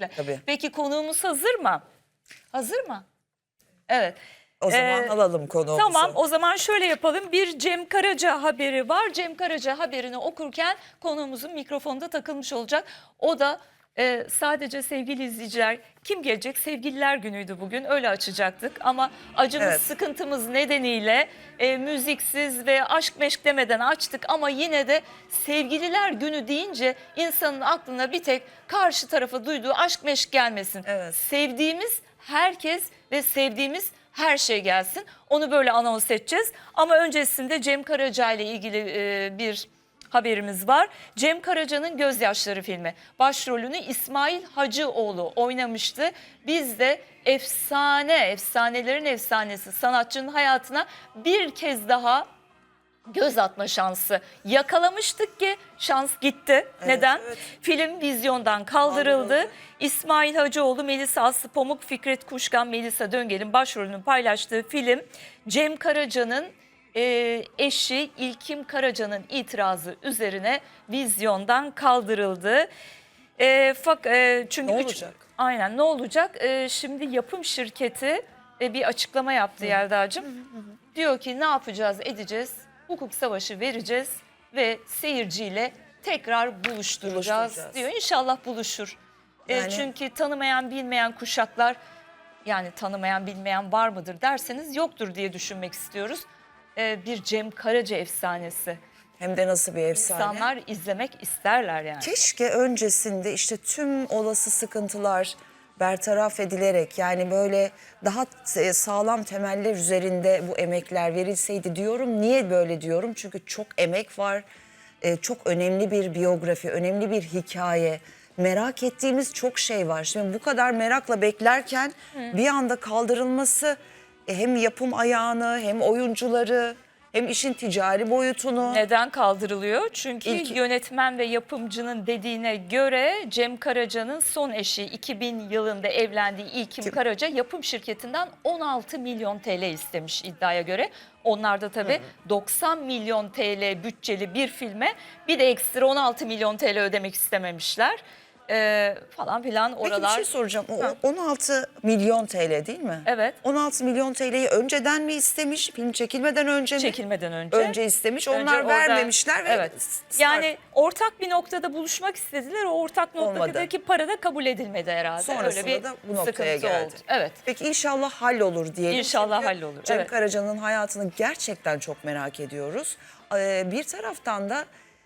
kesinlikle. Tabii. Peki konuğumuz hazır mı? Hazır mı? Evet. O zaman alalım konuğumuzu. Tamam, o zaman şöyle yapalım. Bir Cem Karaca haberi var. Cem Karaca haberini okurken konuğumuzun mikrofonu da takılmış olacak. O da sadece sevgili izleyiciler, kim gelecek? Sevgililer günüydü bugün, öyle açacaktık. Ama acımız, Evet. sıkıntımız nedeniyle müziksiz ve aşk meşk demeden açtık. Ama yine de sevgililer günü deyince insanın aklına bir tek karşı tarafa duyduğu aşk meşk gelmesin. Evet. Sevdiğimiz herkes ve sevdiğimiz her şey gelsin. Onu böyle anons edeceğiz. Ama öncesinde Cem Karaca ile ilgili bir haberimiz var. Cem Karaca'nın Gözyaşları filmi. Başrolünü İsmail Hacıoğlu oynamıştı. Biz de efsanelerin efsanesi sanatçının hayatına bir kez daha göz atma şansı yakalamıştık ki şans gitti. Evet, Neden? evet. Film vizyondan kaldırıldı. İsmail Hacıoğlu, Melisa Aslı Pamuk, Fikret Kuşkan, Melisa Döngel'in başrolünü paylaştığı film Cem Karaca'nın eşi İlkim Karaca'nın itirazı üzerine vizyondan kaldırıldı. Çünkü Ne olacak? Aynen, ne olacak? Şimdi yapım şirketi bir açıklama yaptı Yelda'cığım. Diyor ki ne yapacağız edeceğiz? Hukuk savaşı vereceğiz ve seyirciyle tekrar buluşturacağız diyor. İnşallah buluşur. Çünkü tanımayan bilmeyen kuşaklar, yani tanımayan bilmeyen var mıdır derseniz yoktur diye düşünmek istiyoruz. Bir Cem Karaca efsanesi. Hem de nasıl bir efsane. İnsanlar izlemek isterler yani. Keşke öncesinde işte tüm olası sıkıntılar bertaraf edilerek, yani böyle daha sağlam temeller üzerinde bu emekler verilseydi diyorum. Niye böyle diyorum? Çünkü çok emek var. Çok önemli bir biyografi, önemli bir hikaye. Merak ettiğimiz çok şey var. Şimdi bu kadar merakla beklerken bir anda kaldırılması hem yapım ayağını, hem oyuncuları, hem işin ticari boyutunu. Neden kaldırılıyor? Çünkü İlk- yönetmen ve yapımcının dediğine göre Cem Karaca'nın son eşi 2000 yılında evlendiği İlkim Karaca yapım şirketinden 16 milyon TL istemiş iddiaya göre. Onlar da tabii 90 milyon TL bütçeli bir filme bir de ekstra 16 milyon TL ödemek istememişler. Falan filan Peki oralar. bir şey soracağım. O 16 milyon TL değil mi? Evet. 16 milyon TL'yi önceden mi istemiş? Film çekilmeden önce mi? Çekilmeden önce. Önce istemiş. Önce Onlar orada- vermemişler ve Evet. start- Yani ortak bir noktada buluşmak istediler. O ortak noktadaki Olmadı. para da kabul edilmedi herhalde. Sonrasında Öyle bir da bu noktaya sıkıntı geldi. oldu. Evet. Peki inşallah hallolur diyelim. İnşallah Çünkü hallolur, Cem evet. Karaca'nın hayatını gerçekten çok merak ediyoruz. Bir taraftan da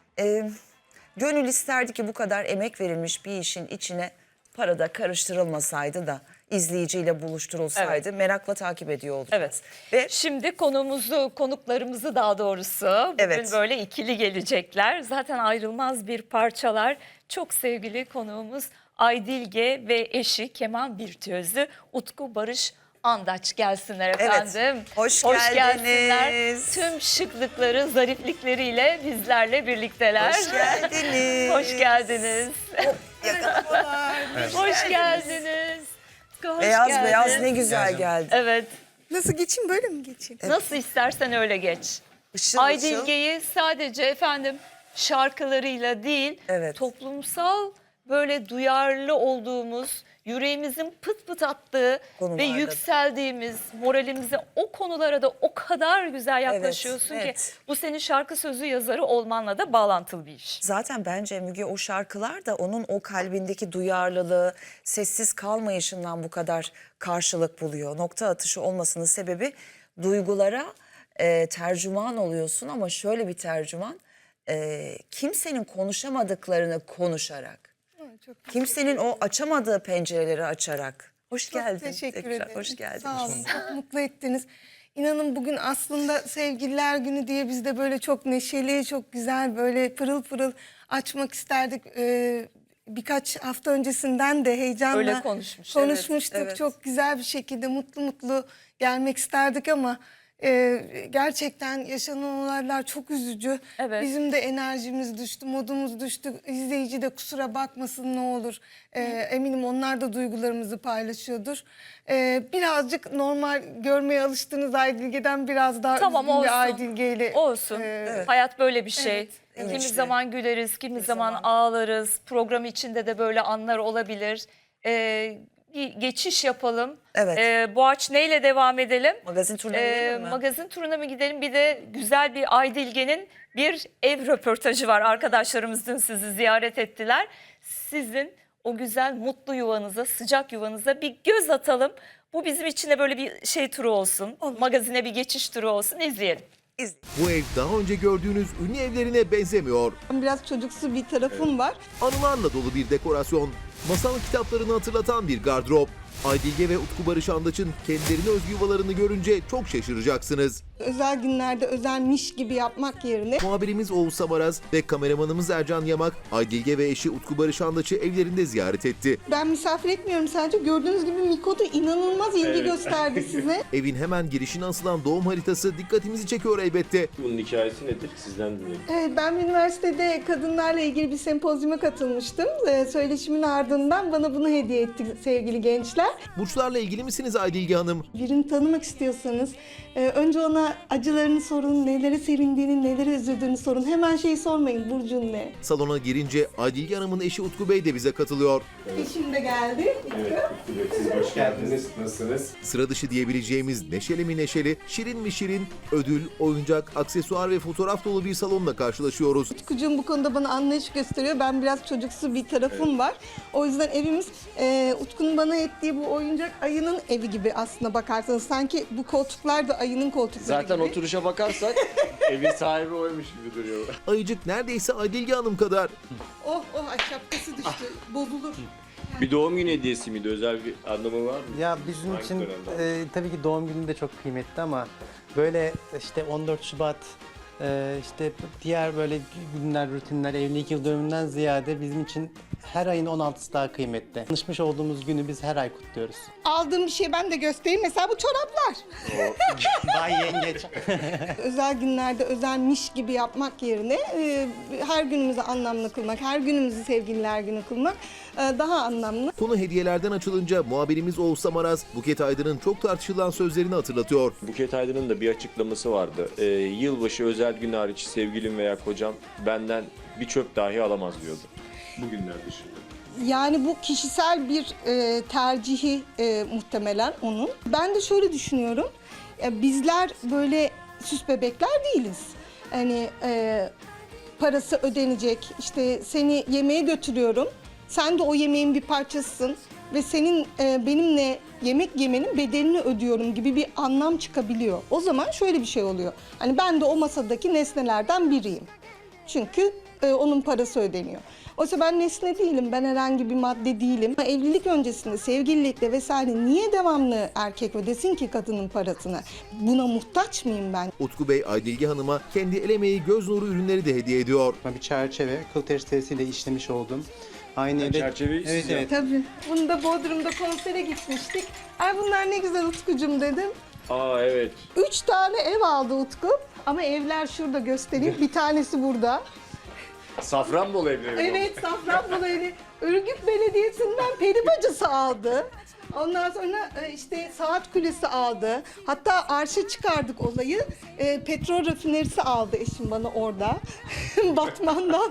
gönül isterdi ki bu kadar emek verilmiş bir işin içine para da karıştırılmasaydı da izleyiciyle buluşturulsaydı. Merakla takip ediyor olacağız. Evet. Ve Şimdi konuklarımızı daha doğrusu bugün Evet. böyle ikili gelecekler. Zaten ayrılmaz bir parçalar. Çok sevgili konuğumuz Aydilge ve eşi keman virtüözü Utku Barış Andaç gelsinler efendim. Hoş gelsinler. geldiniz. Tüm şıklıkları, zariflikleriyle bizlerle birlikteler. hoş geldiniz. Hoş geldiniz. Yakalamalar. Hoş geldiniz. Hoş Beyaz geldiniz. beyaz ne güzel geldi. Evet. Nasıl geçeyim, böyle mi geçeyim? Nasıl istersen öyle geç. Işıl ışıl. Aydilge'yi sadece efendim şarkılarıyla değil, Evet. toplumsal böyle duyarlı olduğumuz, yüreğimizin pıt pıt attığı Konularda. ve yükseldiğimiz, moralimize o konulara da o kadar güzel yaklaşıyorsun Evet, ki evet. bu senin şarkı sözü yazarı olmanla da bağlantılı bir iş. Zaten bence Müge o şarkılar da onun o kalbindeki duyarlılığı, sessiz kalmayışından bu kadar karşılık buluyor. Nokta atışı olmasının sebebi duygulara tercüman oluyorsun ama şöyle bir tercüman, kimsenin konuşamadıklarını konuşarak, Çok, kimsenin o açamadığı pencereleri açarak. Hoş çok geldin. teşekkür Tekrar ederim. hoş geldin. Sağ olun. Çok mutlu ettiniz. İnanın bugün aslında Sevgililer Günü diye biz de böyle çok neşeli, çok güzel, böyle pırıl pırıl açmak isterdik. Birkaç hafta öncesinden de heyecanla Öyle konuşmuş, konuşmuştuk. evet. Çok güzel bir şekilde mutlu mutlu gelmek isterdik ama gerçekten yaşanan olaylar çok üzücü. Evet. Bizim de enerjimiz düştü, modumuz düştü. İzleyici de kusura bakmasın ne olur. Eminim onlar da duygularımızı paylaşıyordur. Birazcık normal görmeye alıştığınız Aydilge'den biraz daha Tamam, üzgün olsun. bir Aydilge'yle. Olsun. Hayat böyle bir şey. Evet, Kimi işte. zaman güleriz, kimi zaman ağlarız. Program içinde de böyle anlar olabilir. bir geçiş yapalım. Evet. Boğaç neyle devam edelim? Magazin turuna gidelim mi? Magazin turuna mı gidelim? Bir de güzel bir Aydilge'nin bir ev röportajı var. Arkadaşlarımız dün sizi ziyaret ettiler. Sizin o güzel mutlu yuvanıza, sıcak yuvanıza bir göz atalım. Bu bizim için de böyle bir şey turu olsun. Magazine bir geçiş turu olsun. İzleyelim. Bu ev daha önce gördüğünüz ünlü evlerine benzemiyor. Biraz çocuksu bir tarafım var. Anılarla dolu bir dekorasyon, masal kitaplarını hatırlatan bir gardırop. Aydilge ve Utku Barış Andaç'ın kendilerine özgü yuvalarını görünce çok şaşıracaksınız. Özel günlerde özelmiş gibi yapmak yerine Muhabirimiz Oğuz Samaraz ve kameramanımız Ercan Yamak, Aydilge ve eşi Utku Barış Andaç'ı evlerinde ziyaret etti. ben misafir etmiyorum sadece. Gördüğünüz gibi Miko da inanılmaz ilgi gösterdi size. Evin hemen girişine asılan doğum haritası dikkatimizi çekiyor elbette. Bunun hikayesi nedir? Sizden dinleyelim. Evet, ben üniversitede kadınlarla ilgili bir sempozyuma katılmıştım. Söyleşimin ardından bana bunu hediye etti sevgili gençler. Burçlarla ilgili misiniz Aydilge Hanım? Birini tanımak istiyorsanız önce ona acılarını sorun, nelere sevindiğini, nelere üzüldüğünü sorun. Hemen şeyi sormayın, burcun ne? Salona girince Aydilge Hanım'ın eşi Utku Bey de bize katılıyor. Eşim de geldi. Evet, siz hoş geldiniz. Nasılsınız? Sıra dışı diyebileceğimiz neşeli mi neşeli, şirin mi şirin, ödül, oyuncak, aksesuar ve fotoğraf dolu bir salonla karşılaşıyoruz. Utkucuğum bu konuda bana anlayış gösteriyor. Ben biraz çocuksu bir tarafım var. O yüzden evimiz Utku'nun bana ettiği bu oyuncak ayının evi gibi aslına bakarsanız. Sanki bu koltuklar da ayının koltukları Zaten gibi. oturuşa bakarsak evin sahibi oymuş gibi duruyor. Ayıcık neredeyse Aydilge Hanım kadar. Oh oh ay şapkası düştü. Bozulur. Bir doğum günü hediyesi miydi? Özel bir anlamı var mı? Ya bizim Hangi için dönemde? tabii ki doğum günü de çok kıymetli ama böyle işte 14 Şubat işte diğer böyle günler, rutinler, evlilik yıl dönümünden ziyade bizim için her ayın 16'sı daha kıymetli. Tanışmış olduğumuz günü biz her ay kutluyoruz. Aldığım bir şey ben de göstereyim. Mesela bu çoraplar. Bay Yengeç. Özel günlerde özelmiş gibi yapmak yerine her günümüzü anlamlı kılmak, her günümüzü sevgililer günü kılmak daha anlamlı. Konu hediyelerden açılınca muhabirimiz Oğuz Samaraz, Buket Aydın'ın çok tartışılan sözlerini hatırlatıyor. Buket Aydın'ın da bir açıklaması vardı. Yılbaşı özel gün hariç sevgilim veya kocam benden bir çöp dahi alamaz diyordu. Bugünler dışında. Yani bu kişisel bir tercihi muhtemelen onun. Ben de şöyle düşünüyorum. Bizler böyle süs bebekler değiliz. Hani parası ödenecek, işte seni yemeğe götürüyorum. Sen de o yemeğin bir parçasısın ve senin benimle yemek yemenin bedelini ödüyorum gibi bir anlam çıkabiliyor. O zaman şöyle bir şey oluyor. Hani ben de o masadaki nesnelerden biriyim. Çünkü onun parası ödeniyor. Oysa ben nesne değilim, ben herhangi bir madde değilim. Evlilik öncesinde, sevgililikte vesaire niye devamlı erkek ödesin ki kadının parasını? Buna muhtaç mıyım ben? Utku Bey, Aydilge Hanım'a kendi el emeği göz nuru ürünleri de hediye ediyor. Bir çerçeve, kıl tersiyle işlemiş oldum. Aynı evde... çerçeveyi siz Evet, evet. Tabii. Bunu da Bodrum'da konsere gitmiştik. Ay bunlar ne güzel Utkucuğum dedim. Aa evet. 3 tane ev aldı Utku. Ama evler şurada göstereyim. Bir tanesi burada. Safranbolu evleri. Evet, Safranbolu evi. Ürgüp Belediyesi'nden peri bacası aldı. Ondan sonra işte saat kulesi aldı. Hatta arşa çıkardık olayı. Petrol rafinerisi aldı eşim bana orada. Batman'dan.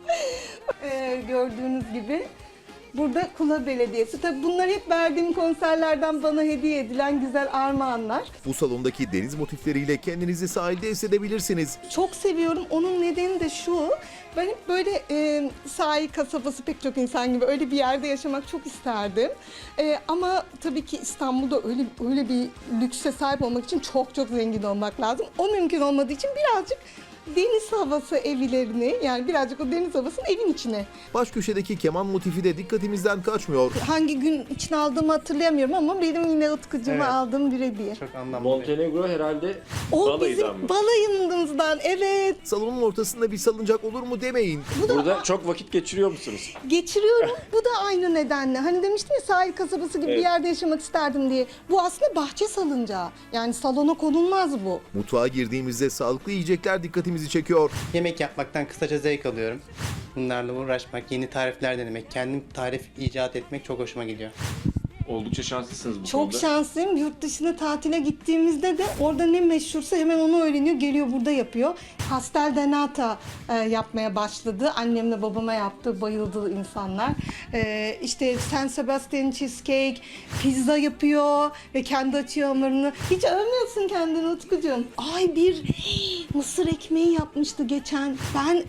Gördüğünüz gibi. Burada Kula Belediyesi. Tabii bunlar hep verdiğim konserlerden bana hediye edilen güzel armağanlar. Bu salondaki deniz motifleriyle kendinizi sahilde hissedebilirsiniz. Çok seviyorum. Onun nedeni de şu. Ben hep böyle sahil kasabası pek çok insan gibi öyle bir yerde yaşamak çok isterdim. Ama tabii ki İstanbul'da öyle bir lükse sahip olmak için çok çok zengin olmak lazım. O mümkün olmadığı için birazcık deniz havası evlerini, yani birazcık o deniz havasını evin içine. Baş köşedeki keman motifi de dikkatimizden kaçmıyor. Hangi gün için aldığımı hatırlayamıyorum ama benim yine Utkucuğuma Evet. aldığım bir hediye. Çok anlamlı. Montenegro herhalde O balayıdan bizim mı? balayımızdan, evet. Salonun ortasında bir salıncak olur mu demeyin. Burada çok vakit geçiriyor musunuz? Geçiriyorum. Bu da aynı nedenle. Hani demiştim ya sahil kasabası gibi bir Evet. yerde yaşamak isterdim diye. Bu aslında bahçe salıncağı. Yani salona konulmaz bu. Mutfağa girdiğimizde sağlıklı yiyecekler dikkatimizi çekiyor. Yemek yapmaktan kısaca zevk alıyorum. Bunlarla uğraşmak, yeni tarifler denemek, kendim tarif icat etmek çok hoşuma gidiyor. Oldukça şanslısınız bu Çok konuda. şanslıyım. Yurt dışına tatile gittiğimizde de orada ne meşhursa hemen onu öğreniyor, geliyor burada yapıyor. Pastel de nata yapmaya başladı. Annemle babama yaptı, bayıldı insanlar. İşte San Sebastian cheesecake, pizza yapıyor ve kendi açıyor hamurunu. Hiç övmüyorsun kendini Utkucuğum. Ay bir mısır ekmeği yapmıştı geçen. Ben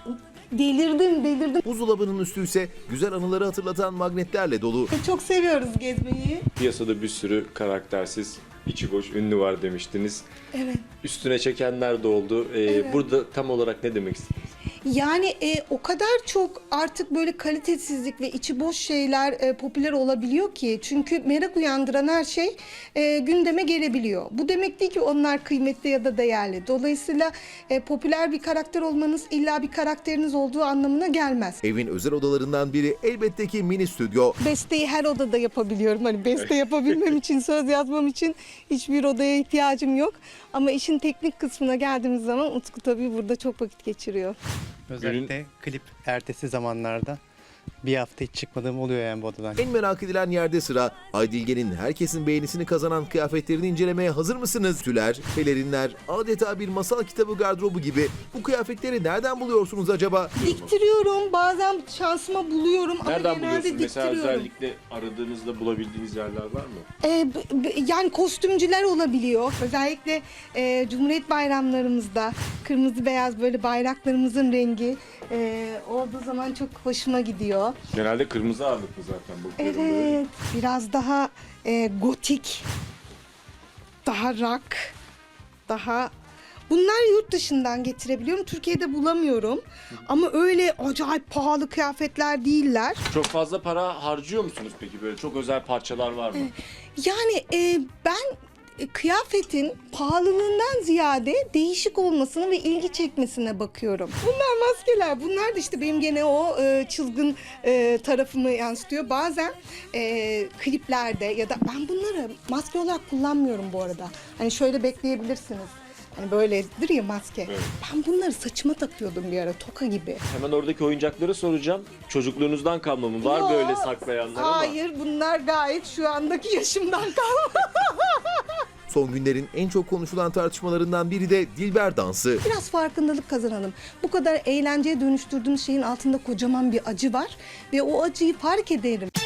delirdim. Buzdolabının üstü ise güzel anıları hatırlatan magnetlerle dolu. Çok seviyoruz gezmeyi. Piyasada bir sürü karaktersiz, içi boş ünlü var demiştiniz. Evet. Üstüne çekenler de oldu. Burada tam olarak ne demek istediniz? Yani o kadar çok artık böyle kalitesizlik ve içi boş şeyler popüler olabiliyor ki. Çünkü merak uyandıran her şey gündeme gelebiliyor. Bu demek değil ki onlar kıymetli ya da değerli. Dolayısıyla popüler bir karakter olmanız illa bir karakteriniz olduğu anlamına gelmez. Evin özel odalarından biri elbette ki mini stüdyo. Besteyi her odada yapabiliyorum. Hani beste yapabilmem için, söz yazmam için hiçbir odaya ihtiyacım yok. Ama işin teknik kısmına geldiğimiz zaman Utku tabii burada çok vakit geçiriyor. Özellikle klip ertesi zamanlarda bir hafta hiç çıkmadığım oluyor yani bu odadan. En merak edilen yerde sıra Aydilge'nin herkesin beğenisini kazanan kıyafetlerini incelemeye hazır mısınız? Tüler, pelerinler, adeta bir masal kitabı gardırobu gibi bu kıyafetleri nereden buluyorsunuz acaba? Diktiriyorum. Bazen şansıma buluyorum Nereden ama genelde buluyorsunuz? Mesela diktiriyorum. özellikle aradığınızda bulabildiğiniz yerler var mı? Yani kostümcüler olabiliyor. Özellikle Cumhuriyet bayramlarımızda kırmızı beyaz böyle bayraklarımızın rengi olduğu zaman çok hoşuma gidiyor. Genelde kırmızı ağırlıklı zaten bakıyorum böyle. Evet, biraz daha gotik, daha rock, daha... Bunlar yurt dışından getirebiliyorum. Türkiye'de bulamıyorum. Ama öyle acayip pahalı kıyafetler değiller. Çok fazla para harcıyor musunuz peki? Böyle çok özel parçalar var mı? Yani ben kıyafetin pahalılığından ziyade değişik olmasına ve ilgi çekmesine bakıyorum. Bunlar maskeler. Bunlar da işte benim gene o çılgın tarafımı yansıtıyor. Bazen kliplerde ya da ben bunları maske olarak kullanmıyorum bu arada. Hani şöyle bekleyebilirsiniz. Hani böyledir ya maske. Evet. Ben bunları saçıma takıyordum bir ara toka gibi. Hemen oradaki oyuncakları soracağım. Çocukluğunuzdan kalma mı? Var Yo, böyle saklayanlar ama. Hayır, bunlar gayet şu andaki yaşımdan kalma. Son günlerin en çok konuşulan tartışmalarından biri de Dilber dansı. Biraz farkındalık kazanalım. Bu kadar eğlenceye dönüştürdüğümüz şeyin altında kocaman bir acı var ve o acıyı fark edelim.